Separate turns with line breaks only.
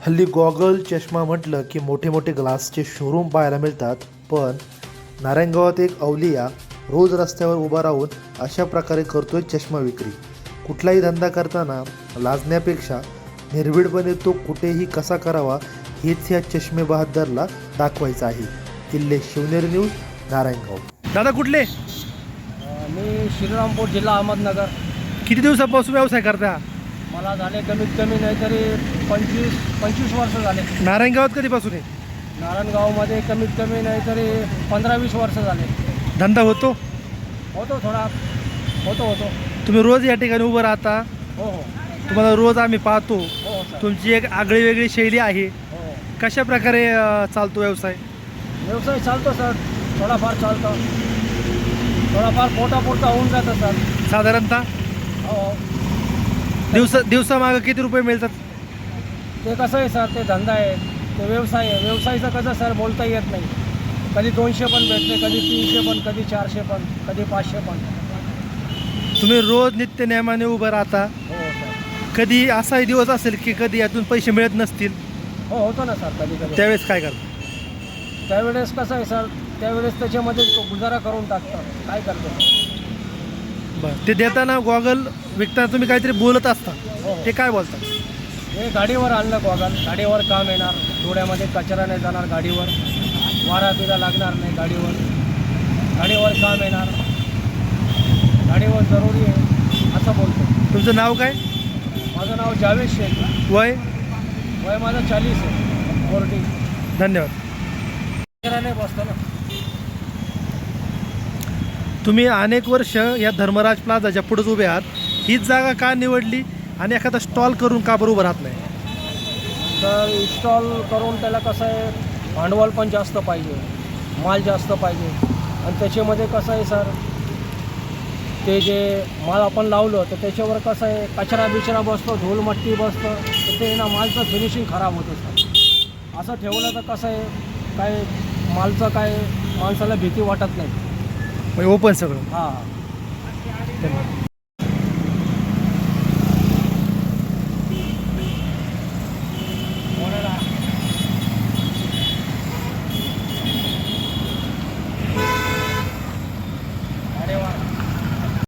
हल्ली गॉगल चष्मा म्हटलं की मोठे मोठे ग्लासचे शोरूम पाहायला मिळतात, पण नारायणगावात एक अवलिया रोज रस्त्यावर उभा राहून अशा प्रकारे करतोय चष्मा विक्री. कुठलाही धंदा करताना लाजण्यापेक्षा निर्भीडपणे तो कुठेही कसा करावा हेच या चष्मे बहादरला दाखवायचं आहे. किल्ले शिवनेरी न्यूज, नारायणगाव. दादा कुठले?
मी श्रीरामपूर, जिल्हा अहमदनगर.
किती दिवसापासून व्यवसाय करता?
मला झाले कमीत कमी नाहीतरी 25 वर्ष झाले.
नारायणगावात कधीपासून आहे?
नारायणगावमध्ये कमीत कमी नाहीतरी 15-20 वर्ष झाले.
धंदा होतो?
थोडा होतो.
तुम्ही रोज या ठिकाणी उभं राहता?
हो.
तुम्हाला रोज आम्ही पाहतो.
हो सर.
तुमची एक आगळी वेगळी शैली आहे.
हो.
कशा प्रकारे चालतो व्यवसाय?
व्यवसाय चालतो सर, थोडाफार चालतो. थोडाफार पोटापुरता होऊन जातं सर.
साधारणतः
हो.
दिवसामागं किती रुपये मिळतात?
ते कसं आहे सर, ते धंदा आहे, ते व्यवसाय आहे. व्यवसायाचं कसं सर बोलता येत नाही. कधी 200 पण भेटते, कधी 300 पण, कधी 400 पण, कधी 500 पण.
तुम्ही रोज नित्य नियमाने उभं राहता.
हो सर.
कधी असाही दिवस असेल की कधी यातून पैसे मिळत नसतील,
हो, होतो ना सर कधी कधी.
त्यावेळेस काय करता?
त्यावेळेस कसं आहे सर, त्यावेळेस त्याच्यामध्ये तो गुजारा करून टाकतो. काय करतो?
बरं, ते देताना गॉगल विकताना तुम्ही काहीतरी बोलत असता,
हो.
ते काय बोलता?
हे गाडीवर आणलं गॉगल, गाडीवर काम येणार, डोळ्यामध्ये कचरा नाही जाणार, गाडीवर वारा बिरा लागणार नाही, गाडीवर काम येणार, गाडीवर जरुरी आहे असं बोलतो.
तुमचं नाव काय?
माझं नाव जावेद शेख.
वय?
वय माझं 40 आहे. 40.
धन्यवाद.
कचरा नाही बसतो ना.
तुम्ही अनेक वर्ष या धर्मराज प्लाझाच्या पुढेच उभे आहात. हीच जागा का निवडली आणि एखादा स्टॉल करून का बरं उभं राहत नाही?
तर इन्स्टॉल करून त्याला कसं आहे, भांडवल पण जास्त पाहिजे, माल जास्त पाहिजे. आणि त्याच्यामध्ये कसं आहे सर, ते जे माल आपण लावलं तर त्याच्यावर कसं आहे, कचरा बिचरा बसतो, धूळमट्टी बसतं, तर ते ना मालचं फिनिशिंग खराब होतं सर. असं ठेवलं तर कसं आहे, काय मालचं काय माणसाला भीती वाटत नाही.
ओपन सगळं.
हां.
धन्यवाद.